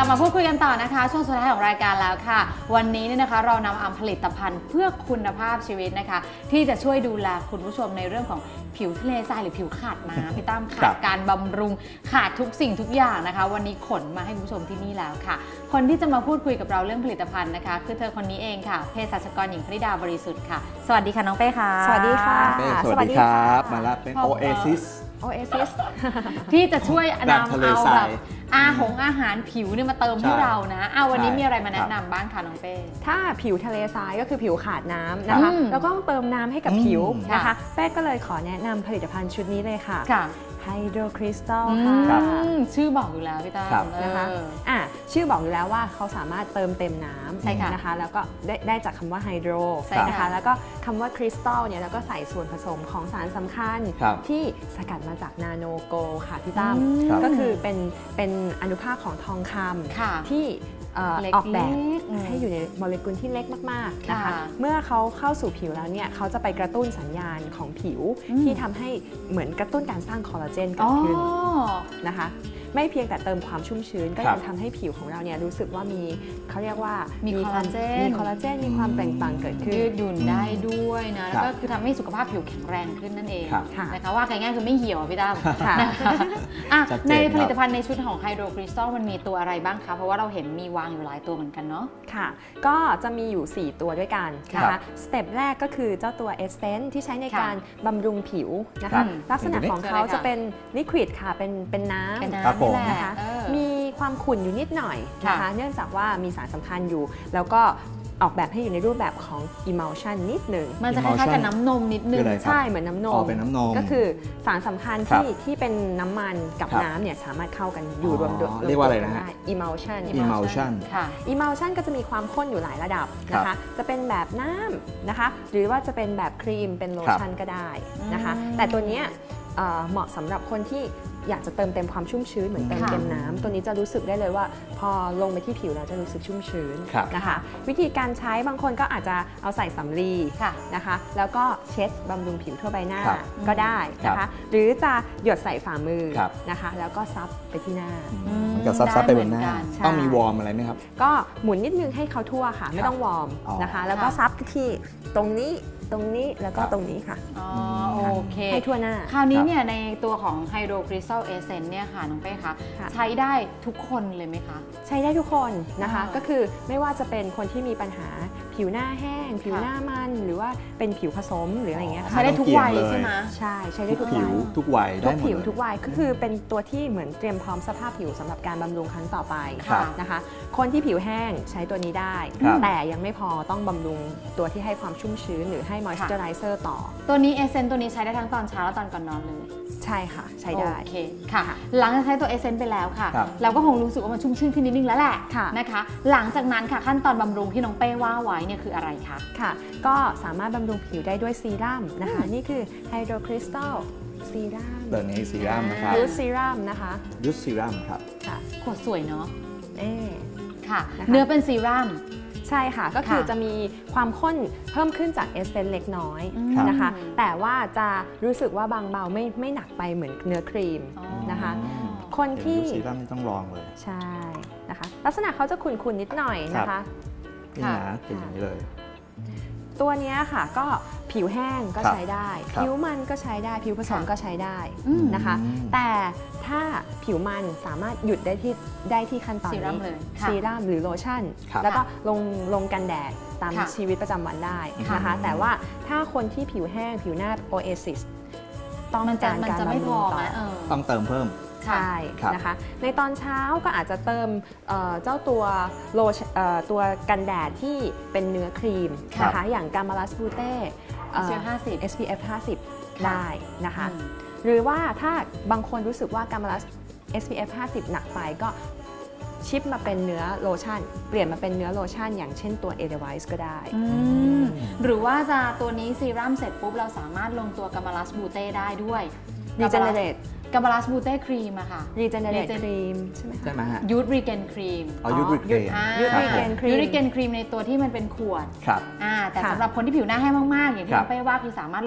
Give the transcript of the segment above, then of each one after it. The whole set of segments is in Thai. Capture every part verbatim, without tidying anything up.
บมาพูดคุยกันต่อนะคะช่วงสุดท้ายของรายการแล้วค่ะวันนี้เนี่ยนะคะเรานำเอาผลิตภัณฑ์เพื่อคุณภาพชีวิตนะคะที่จะช่วยดูแลคุณผู้ชมในเรื่องของผิวทะเลทรายหรือผิวขาดน้ำพี่ตั้มขาดการบำรุงขาดทุกสิ่งทุกอย่างนะคะวันนี้ขนมาให้คุณผู้ชมที่นี่แล้วค่ะคนที่จะมาพูดคุยกับเราเรื่องผลิตภัณฑ์นะคะคือเธอคนนี้เองค่ะเภสัชกรหญิงพนิดาบริสุทธิ์ค่ะสวัสดีค่ะน้องเป้ค่ะสวัสดีค่ะสวัสดีครับมาแล้วเป็น Oasis Oasis ที่จะช่วยนำเอาแบบอาหงอาหารผิวเนี่ยมาเติมให้เรานะเอาวันนี้มีอะไรมาแนะนำบ้างคะน้องเป้ถ้าผิวทะเลทรายก็คือผิวขาดน้ำนะคะแล้วก็ต้องเติมน้ำให้กับผิวนะคะเป้ก็เลยขอแนะนำผลิตภัณฑ์ชุดนี้เลยค่ะไฮโดรคริสตัลค่ะชื่อบอกอยู่แล้วพี่ตั้มนะคะอ่ะชื่อบอกอยู่แล้วว่าเขาสามารถเติมเต็มน้ำนะคะแล้วก็ได้ได้จากคำว่าไฮโดรนะคะแล้วก็คำว่าคริสตัลเนี่ยแล้วก็ใส่ส่วนผสมของสารสำคัญที่สกัดมาจากนาโนโกลค่ะพี่ตั้มก็คือเป็นเป็นอนุภาคของทองคำที่ออกแบบให้อยู่ในโมเลกุลที่เล็กมากๆนะคะเมื่อเขาเข้าสู่ผิวแล้วเนี่ยเขาจะไปกระตุ้นสัญญาณของผิวที่ทำให้เหมือนกระตุ้นการสร้างคอลลาเจนเกิดขึ้นนะคะไม่เพียงแต่เติมความชุ่มชื้นก็ยังทำให้ผิวของเราเนี่ยรู้สึกว่ามีเขาเรียกว่ามีคอลลาเจนมีคอลลาเจนมีความเปล่งปลั่งเกิดขึ้นยืดหยุ่นได้ด้วยนะแล้วก็คือทำให้สุขภาพผิวแข็งแรงขึ้นนั่นเองนะคะว่าง่ายๆคือไม่เหี่ยวพี่ตั้มในผลิตภัณฑ์ในชุดของไฮโดรคริสตัลมันมีตัวอะไรบ้างคะเพราะว่าเราเห็นมีวางอยู่หลายตัวเหมือนกันเนาะค่ะก็จะมีอยู่สี่ตัวด้วยกันนะคะสเต็ปแรกก็คือเจ้าตัวเอสเซนส์ที่ใช้ในการบำรุงผิวนะคะลักษณะของเขาจะเป็นลิควิดค่ะเป็นเป็นน้ำนะคะมีความขุ่นอยู่นิดหน่อยนะคะเนื่องจากว่ามีสารสำคัญอยู่แล้วก็ออกแบบให้อยู่ในรูปแบบของ emulsion นิดหนึ่งมันจะคล้ายๆกับน้ำนมนิดนึงใช่เหมือนน้ำนมเป็นน้ำนมก็คือสารสำคัญที่ที่เป็นน้ำมันกับน้ำเนี่ยสามารถเข้ากันอยู่รวมตัวเรียกว่าอะไรนะฮะ emulsion emulsion emulsion ก็จะมีความข้นอยู่หลายระดับนะคะจะเป็นแบบน้ำนะคะหรือว่าจะเป็นแบบครีมเป็นโลชั่นก็ได้นะคะแต่ตัวนี้เหมาะสำหรับคนที่อยากจะเติมเต็มความชุ่มชื้นเหมือนเติมเต็มน้ำตัวนี้จะรู้สึกได้เลยว่าพอลงไปที่ผิวแล้วจะรู้สึกชุ่มชื้นนะคะวิธีการใช้บางคนก็อาจจะเอาใส่สำลีนะคะแล้วก็เช็ดบำรุงผิวทั่วใบหน้าก็ได้นะคะหรือจะหยดใส่ฝ่ามือนะคะแล้วก็ซับไปที่หน้ามันก็ซับซับไปบนหน้าต้องมีวอร์มอะไรไหมครับก็หมุนนิดนึงให้เขาทั่วค่ะไม่ต้องวอร์มนะคะแล้วก็ซับที่ตรงนี้ตรงนี้แล้วก็ตรงนี้ค่ะอ๋อโอเคให้ทั่วหน้าคราวนี้เนี่ยในตัวของไฮโดรคริสตัลเอเซนส์เนี่ยค่ะน้องเป้คะใช้ได้ทุกคนเลยไหมคะใช้ได้ทุกคนนะคะก็คือไม่ว่าจะเป็นคนที่มีปัญหาผิวหน้าแห้งผิวหน้ามันหรือว่าเป็นผิวผสมหรืออะไรเงี้ยใช้ได้ทุกวัยใช่ไหมใช่ใช้ได้ทุกผิวทุกวัยทุกผิวทุกวัยก็คือเป็นตัวที่เหมือนเตรียมพร้อมสภาพผิวสำหรับการบำรุงครั้งต่อไปนะคะคนที่ผิวแห้งใช้ตัวนี้ได้แต่ยังไม่พอต้องบำรุงตัวที่ให้ความชุ่มชื้นหรือให้มอยส์เจอไรเซอร์ต่อตัวนี้เอเซนตัวนี้ใช้ได้ทั้งตอนเช้าและตอนก่อนนอนเลยใช่ค่ะใช้ได้โอเคค่ะหลังจากใช้ตัวเอเซนไปแล้วค่ะเราก็คงรู้สึกว่ามันชุ่มชื่นขึ้นนิดนึงแล้วแหละนะคะหลังจากนั้นค่ะขั้นตอนบำรุงที่น้องเป้ว่าไว้เนี่ยคืออะไรคะค่ะก็สามารถบำรุงผิวได้ด้วยซีรั่มนะคะนี่คือไฮโดรคริสตัลซีรั่มตัวนี้ซีรั่มนะครับยูสซีรั่มนะคะยูสซีรั่มครับค่ะขวดสวยเนาะเอ๊ค่ะเนื้อเป็นซีรั่มใช่ค่ะก็คือจะมีความข้นเพิ่มขึ้นจากเอสเซนส์เล็กน้อยนะคะแต่ว่าจะรู้สึกว่าบางเบาไม่ไม่หนักไปเหมือนเนื้อครีมนะคะคนที่ซีรั่มต้องลองเลยใช่นะคะลักษณะเขาจะขุ่นๆนิดหน่อยนะคะนี่นะเป็นอย่างนี้เลยตัวนี้ค่ะก็ผิวแห้งก็ใช้ได้ผิวมันก็ใช้ได้ผิวผสมก็ใช้ได้นะคะแต่ถ้าผิวมันสามารถหยุดได้ที่ได้ที่ขั้นตอนนี้ซีรั่มหรือโลชั่นแล้วก็ลงลงกันแดดตามชีวิตประจำวันได้นะคะแต่ว่าถ้าคนที่ผิวแห้งผิวหน้า Oasis ต้องการการบำรุงต่อต้องเติมเพิ่มใช่นะคะในตอนเช้าก็อาจจะเติมเจ้าตัวโลตัวกันแดดที่เป็นเนื้อครีมนะคะอย่างกามาลัสบูเต้ เอส พี เอฟ ห้าสิบ ได้นะคะหรือว่าถ้าบางคนรู้สึกว่ากามาลัส เอส พี เอฟ ห้าสิบ หนักไปก็ชิปมาเป็นเนื้อโลชั่นเปลี่ยนมาเป็นเนื้อโลชั่นอย่างเช่นตัว เอ ดี ไวซ์ ก็ได้หรือว่าจะตัวนี้ซีรั่มเสร็จปุ๊บเราสามารถลงตัวกามาลัสบูเต้ได้ด้วย Regenerate กามาลัสบูเต้ครีมอะค่ะ Regenerate ครีมใช่ไหมคะใช่ไหมฮะยูทรีเกนครีมอ๋อยูทรีเกนยูทรีเกนครีมยูทรีเกนครีมในตัวที่มันเป็นขวดครับแต่สำหรับคนที่ผิวหน้าแห้งมากๆอย่างที่น้องเป้ว่าคือสามารถลง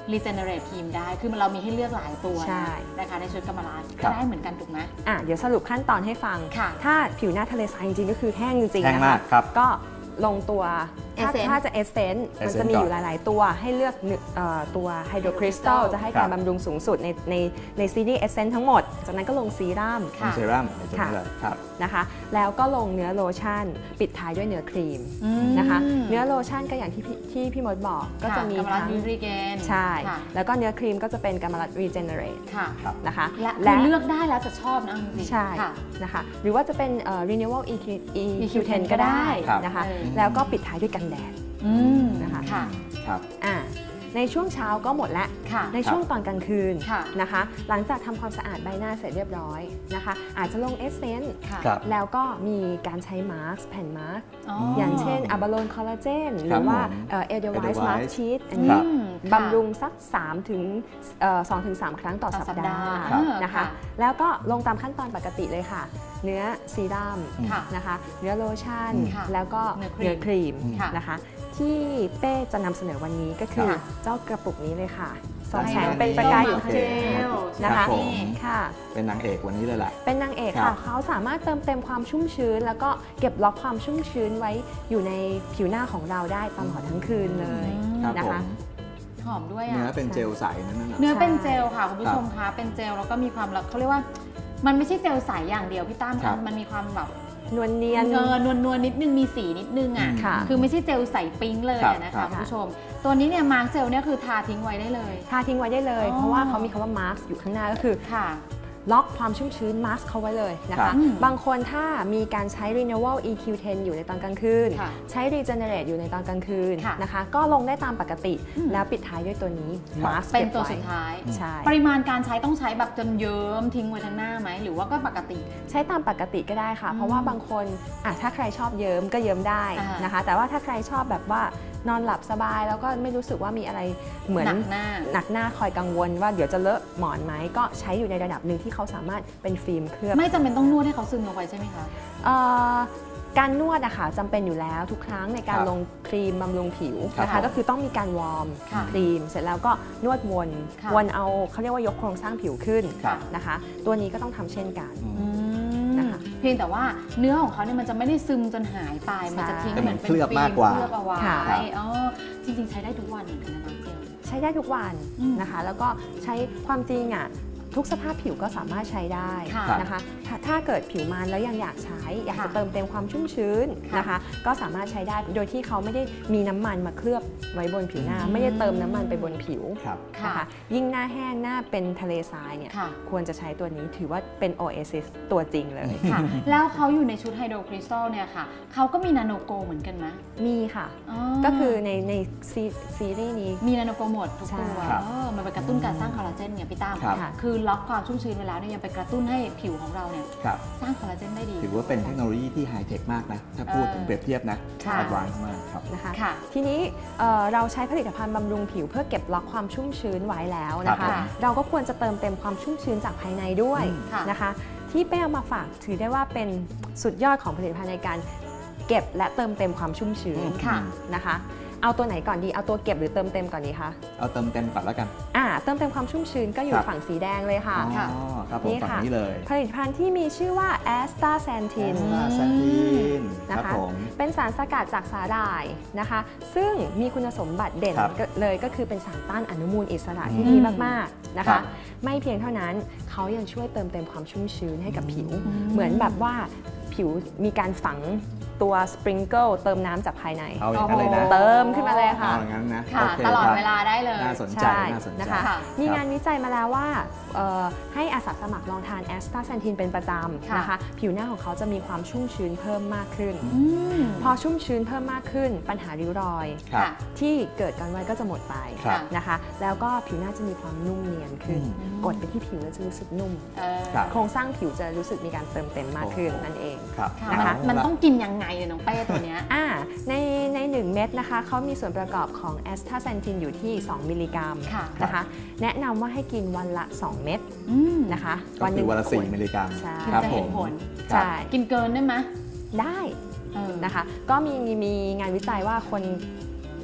regenerate ครีมได้คือมันเรามีให้เลือกหลายตัวใช่นะคะในชุดกำมะลาครับได้เหมือนกันถูกไหมอ่ะเดี๋ยวสรุปขั้นตอนให้ฟังค่ะถ้าผิวหน้าทะเลทรายจริงๆก็คือแห้งจริงแห้ๆงนะมาคะกครับก็ลงตัวถ้า Essence ถ้าจะเอเซนต์มัน Essence จะมีอยู่ก่อนหลายๆตัวให้เลือกหนึ่งเอ่อตัวไฮโดรคริสตัล Crystal จะให้ครัการบบำรุงสูงสุดในในในซีรีส์เอเซนต์ทั้งหมด จากนั้นก็ลงซีรั่มค่ะเซรั่มในตัวค่ะนี้เลยครับนะคะแล้วก็ลงเนื้อโลชั่น ปิดท้ายด้วยเนื้อครีมอืมนะคะเนื้อโลชั่นก็อย่างที่พี่ที่พี่มดบอกก็จะมีกำมะลาทั้งยูรีเกนใช่ค่ะแล้วก็เนื้อครีมก็จะเป็นกามาลัดรีเจเนเรตค่ะครับนะคะและคือเลือกได้แล้วจะชอบนะจริงๆใช่ค่ะนะคะหรือว่าจะเป็นเอ่อ renewal อี คิวอี คิวเทนเทนก็ได้ครับนะคะเออแล้วก็ปิดท้ายด้วยกันแดดอืมนะคะค่ะครับอ่าในช่วงเช้าก็หมดแล้วค่ะในช่วงตอนกลางคืนค่ะนะคะ หลังจากทำความสะอาดใบหน้าเสร็จเรียบร้อยนะคะ อาจจะลงเอสเซนต์ค่ะครับแล้วก็มีการใช้มาร์กแผ่นมาร์กอ๋อออย่างเช่นอะบาโลนคอลลาเจนหครัรืบอว่าผมเอเดลไวส์ Edelweiss มาร์กชีตอันคนี้รับอืมบำรุงสัก3ถึงสองถึงสามครั้งต่อต่อสัปสัปดาดาห์ห์ครับนะคะ แล้วก็ลงตามขั้นตอนปกติเลยค่ะ เนื้อซีรั่มค่ะนะคะ เนื้อโลชั่นค่ะแล้วก็เนื้เนื้ออคครีรีมมค่ะนะคะ ที่เป้จะนำเสนอวันนี้ก็คือค่ะเจ้ากระปุกนี้เลยค่ะส่องได้แสงครับเป็นประกายอยู่โอข้างเคหน้าเจลนะคะครับผมค่ะเป็นนางเอกวันนี้เลยแหละเป็นนางเอกครัค่ะบเขาสามารถเติมเต็มความชุ่มชื้น แล้วก็เก็บล็อกความชุ่มชื้นไว้อยู่ในผิวหน้าของเราได้ตลอดทั้งคืนเลยครับนะผมคะหอมด้วยเนื้ออ่ะเป็นเจลใสนั่นน่ะเนื้อเป็นใช่เจลค่ะคุณผู้ชมคะเป็นเจลแล้วก็มีความแบบเขาเรียกว่า มันไม่ใช่เจลใสอย่างเดียวพี่ตั้มครับมันมีความแบบนวลเนียนเออนวลนวลๆนิดนึงมีสีนิดนึงอ่ะค่ะคือไม่ใช่เจลใสปิ๊งเลยครับอะนะครัคะบคุณผู้ชม ตัวนี้เนี่ยมาร์กเจลเนี่ยคือทาทิ้งไว้ได้เลยทาทิ้งไว้ได้เลยอ๋อเพราะว่าเขามีคำว่า mask อยู่ข้างหน้าก็คือค่ะล็อกความชุ่มชื้น mask เขาไว้เลยนะครัคะบอืมบางคนถ้ามีการใช้ renewal อี คิว เทน อยู่ในตอนกลางคืนค่ะใช้ regenerate อยู่ในตอนกลางคืนค่ะนะคะ ก็ลงได้ตามปกติอืมแล้วปิดท้ายด้วยตัวนี้ครับ mask เป็นตัวก็บไสุดท้ายใช่ปริมาณการใช้ต้องใช้แบบจนเยิ้มทิ้งไว้ทั้งหน้าไหมหรือว่าก็ปกติใช้ตามปกติก็ได้ค่ะอืมเพราะว่าบางคนอ่ะถ้าใครชอบเยิ้มก็เยิ้มได้อ่านนะคะ แต่ว่าถ้าใครชอบแบบว่านอนหลับสบายแล้วก็ไม่รู้สึกว่ามีอะไรเหมือนหนักหน้าหนักหน้าคอยกังวลว่าเดี๋ยวจะเลอะหมอนไหมก็ใช้อยู่ในระดับหนึ่งที่เขาสามารถเป็นฟิล์มเคลือบไม่จำเป็นต้องนวดให้เขาซึมลงไปใช่ไหมคะเอ่อการนวดอะค่ะจำเป็นอยู่แล้วทุกครั้งในการครับลงครีมบำรุงผิวครับนะคะผมก็คือต้องมีการวอร์มค่ะครีม เสร็จแล้วก็นวดวนค่ะวนเอาเขาเรียกว่ายกโครงสร้างผิวขึ้นครับนะคะ ตัวนี้ก็ต้องทำเช่นกันอืมอืมนะคะเพียงแต่ว่าเนื้อของเขาเนี่ยมันจะไม่ได้ซึมจนหายไป มันจะทิ้งแต่เหมัมือน นเป็นเคลือบฟิล์มากกว่าเคลือบเอาไว้ค่ะอ๋อจริงๆ ใช้ได้ทุกวันเหมือนกันนะน้องเจลใช้ได้ทุกวันอืมนะคะ แล้วก็ใช้ความจริงอะทุกสภาพผิวก็สามารถใช้ได้ค่ะนะคะถ้าถ้าเกิดผิวมันแล้วยังอยากใช้ อยากจะค่ะเติมเต็มความชุ่มชื้นค่ะนะคะ ก็สามารถใช้ได้โดยที่เขาไม่ได้มีน้ำมันมาเคลือบไว้บนผิวหน้าอืมไม่ได้เติมน้ำมันไปบนผิวครับค่ะนะคะยิ่งหน้าแห้งหน้าเป็นทะเลทรายเนี่ยค่ะควรจะใช้ตัวนี้ถือว่าเป็น โอ เอ ซิส ตัวจริงเลยค่ะ แล้วเขาอยู่ในชุดไฮโดรคริสตัลเนี่ยค่ะ เขาก็มีนาโนโกเหมือนกันไหมมีค่ะอ๋อก็คือในในซีซีรีส์นี้มีนาโนโกหมดทุกใช่ตัวครับเออมันไปกระตุ้นการสร้างคอลลาเจนเนี่ยพี่ตั้มครับค่ะคือล็อกความชุ่มชื้นไว้แล้วเนี่ยยังไปกระตุ้นให้ผิวของเราเนี่ยครับสร้างคอลลาเจนได้ดีถือว่าเป็นเทคโนโลยีที่ไฮเทคมากนะ ถ้าพูดถึงเปรียบเทียบนะค่ะแอดวานซ์มากครับนะคะค่ะทีนี้เอ่อเราใช้ผลิตภัณฑ์บำรุงผิวเพื่อเก็บล็อกความชุ่มชื้นไว้แล้วนะครัคะบผมเราก็ควรจะเติมเต็มความชุ่มชื้นจากภายในด้วยอืมค่ะนะคะ ที่เป้เอามาฝากถือได้ว่าเป็นสุดยอดของผลิตภัณฑ์ในการเก็บและเติมเต็มความชุ่มชื้นค่ะนะคะ เอาตัวไหนก่อนดีเอาตัวเก็บหรือเติมเต็มก่อนดีคะเอาเติมเต็มก่อนแล้วกันอ่าเติมเต็มความชุ่มชื้นก็อยู่ครับฝั่งสีแดงเลยค่ะอ๋อครับผมนี่ฝั่งค่ะนี้เลยผลิตภัณฑ์ที่มีชื่อว่า แอสตาแซนทินแอสตาแซนทินคนะรับคะผมเป็นสารสกัดจากสาหร่ายนะคะ ซึ่งมีคุณสมบัติเด่นครับก็เลยก็คือเป็นสารต้านอนุมูลอิสระอืมที่ดีมากๆนะครัคะบไม่เพียงเท่านั้นเขายังช่วยเติมเต็มความชุ่มชื้นให้กับผิวอืมเหมือนแบบว่าผิวมีการฝังตัวสปริงเกิลเติมน้ำจากภายในเอาอย่างนั้นเลยนะเติมขึ้นมาเลยค่ะเอาอย่างนั้นนะค่ะโอเคตลอดครับเวลาได้เลยน่าสนใจใช่น่าสนใจนะคะค่ะมีงานวิจัยมาแล้วว่าเอ่อให้อาสาสมัครลองทานแอสตาแซนทินเป็นประจำค่ะนะคะ ผิวหน้าของเขาจะมีความชุ่มชื้นเพิ่มมากขึ้นอืมพอชุ่มชื้นเพิ่มมากขึ้น ปัญหาริ้วรอยครับค่ะที่เกิดกันไว้ก็จะหมดไปครับนะคะ แล้วก็ผิวหน้าจะมีความนุ่มเนียนขึ้นอืมกดไปที่ผิวแล้วจะรู้สึกนุ่มเออครับโครงสร้างผิวจะรู้สึกมีการเติมเต็มมากขึ้นโอ้โหนั่นเองครับค่ะนะคะมันมันต้องกินยังไงเนี่ยน้องเป้ตัวเนี้ยอ่าในในหนึ่งเม็ดนะคะเขามีส่วนประกอบของแอสตาแซนทินอยู่ที่ สอง มิลลิกรัมค่ะนะคะ แนะนำว่าให้กินวันละ สอง เม็ดอืมนะคะก็คือวันละสี่ขดมิลลิกรัมใช่ถึงครับจะผเห็นมผลครับใช่กินเกินได้ไหมได้เออนะคะ ก็มีมีงานวิจัยว่าคน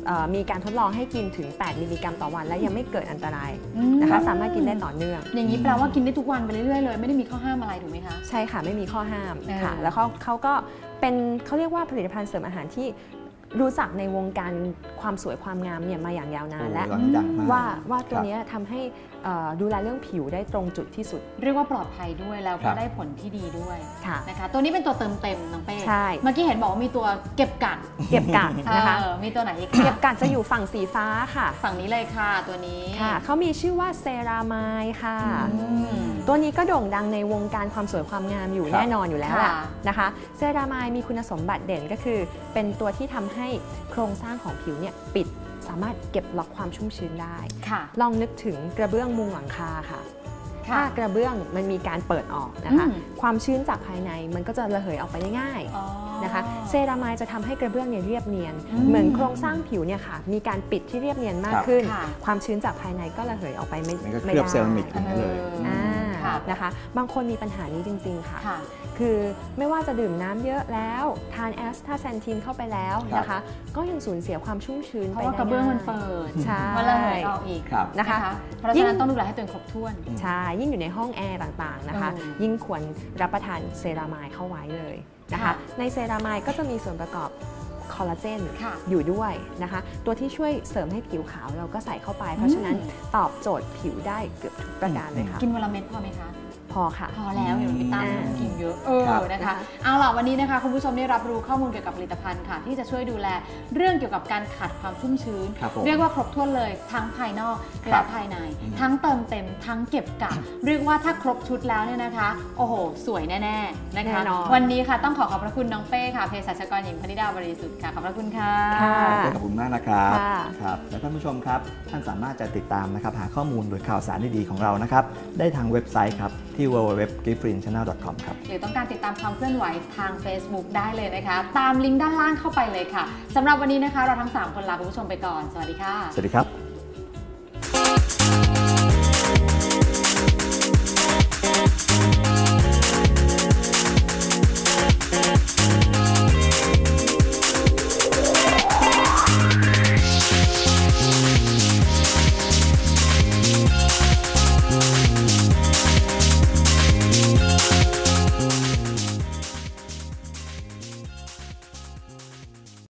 มีการทดลองให้กินถึงแปดมิลลิกรัมต่อวันและยังไม่เกิดอันตรายนะคะสามารถกินได้ต่อเนื่องอย่างนี้แปลว่ากินได้ทุกวันไปเรื่อยๆเลยไม่ได้มีข้อห้ามอะไรถูกไหมคะใช่ค่ะไม่มีข้อห้ามค่ะแล้วเขาเขาก็เป็นเขาเรียกว่าผลิตภัณฑ์เสริมอาหารที่รู้จักในวงการความสวยความงามเนี่ยมาอย่างยาวนานและว่าว่าตัวนี้ทำให้ดูแลเรื่องผิวได้ตรงจุดที่สุดเรียกว่าปลอดภัยด้วยแล้วก็ได้ผลที่ดีด้วยนะคะตัวนี้เป็นตัวเติมเต็มน้องเป้ใช่เมื่อกี้เห็นบอกว่ามีตัวเก็บกักเก็บกักนะคะมีตัวไหนอีกเก็บกักจะอยู่ฝั่งสีฟ้าค่ะฝั่งนี้เลยค่ะตัวนี้ค่ะเขามีชื่อว่าเซรามายค่ะตัวนี้ก็โด่งดังในวงการความสวยความงามอยู่แน่นอนอยู่แล้วแหละนะคะเซรามายมีคุณสมบัติเด่นก็คือเป็นตัวที่ทำให้โครงสร้างของผิวเนี่ยปิดสามารถเก็บล็อกความชุ่มชื้นได้ลองนึกถึงกระเบื้องมุงหลังคาค่ะถ้ากระเบื้องมันมีการเปิดออกนะคะความชื้นจากภายในมันก็จะระเหยออกไปได้ง่ายนะคะเซรามายจะทำให้กระเบื้องเนี่ยเรียบเนียนเหมือนโครงสร้างผิวเนี่ยค่ะมีการปิดที่เรียบเนียนมากขึ้นความชื้นจากภายในก็ระเหยออกไปไม่ได้เคลือบเซรามิกเลยนะคะบางคนมีปัญหานี้จริงๆค่ะคือไม่ว่าจะดื่มน้ำเยอะแล้วทานแอสตาแซนทินเข้าไปแล้วนะคะก็ยังสูญเสียความชุ่มชื้นไปเพราะว่ากระเบื้องมันเปิดใช่มันระเหยออกอีกนะคะเพราะฉะนั้นต้องดูแลให้ตัวเองครบถ้วนใช่ยิ่งอยู่ในห้องแอร์ต่างๆนะคะยิ่งควรรับประทานเซรามายเข้าไว้เลยนะคะในเซรามายก็จะมีส่วนประกอบคอลลาเจนอยู่ด้วยนะคะตัวที่ช่วยเสริมให้ผิวขาวเราก็ใส่เข้าไปเพราะฉะนั้นตอบโจทย์ผิวได้เกือบทุกประการเลยค่ะกินวันละเม็ดพอไหมคะพอค่ะพอแล้วอย่างพี่ตั้มต้องกินเยอะเออนะคะเอาล่ะวันนี้นะคะคุณผู้ชมได้รับรู้ข้อมูลเกี่ยวกับผลิตภัณฑ์ค่ะที่จะช่วยดูแลเรื่องเกี่ยวกับการขัดความชุ่มชื้นเรียกว่าครบถ้วนเลยทั้งภายนอกและภายในทั้งเติมเต็มทั้งเก็บกักเรียกว่าถ้าครบชุดแล้วเนี่ยนะคะโอ้โหสวยแน่ๆนะคะวันนี้ค่ะต้องขอขอบพระคุณน้องเป้ค่ะเภสัชกรหญิงพนิดาบริสุทธิ์ค่ะขอบพระคุณค่ะขอบคุณมากนะครับครับและท่านผู้ชมครับท่านสามารถจะติดตามนะครับหาข้อมูลหรือข่าวสารดีๆของเรานะครับได้ทางเว็บไซต์ครับที่ ดับเบิลยู ดับเบิลยู ดับเบิลยู ดอท กิฟต์ฟรีน ชาแนล ดอท คอม ครับหรือต้องการติดตามความเคลื่อนไหวทาง Facebook ได้เลยนะคะตามลิงก์ด้านล่างเข้าไปเลยค่ะสำหรับวันนี้นะคะเราทั้งสามคนลาคุณผู้ชมไปก่อนสวัสดีค่ะสวัสดีครับ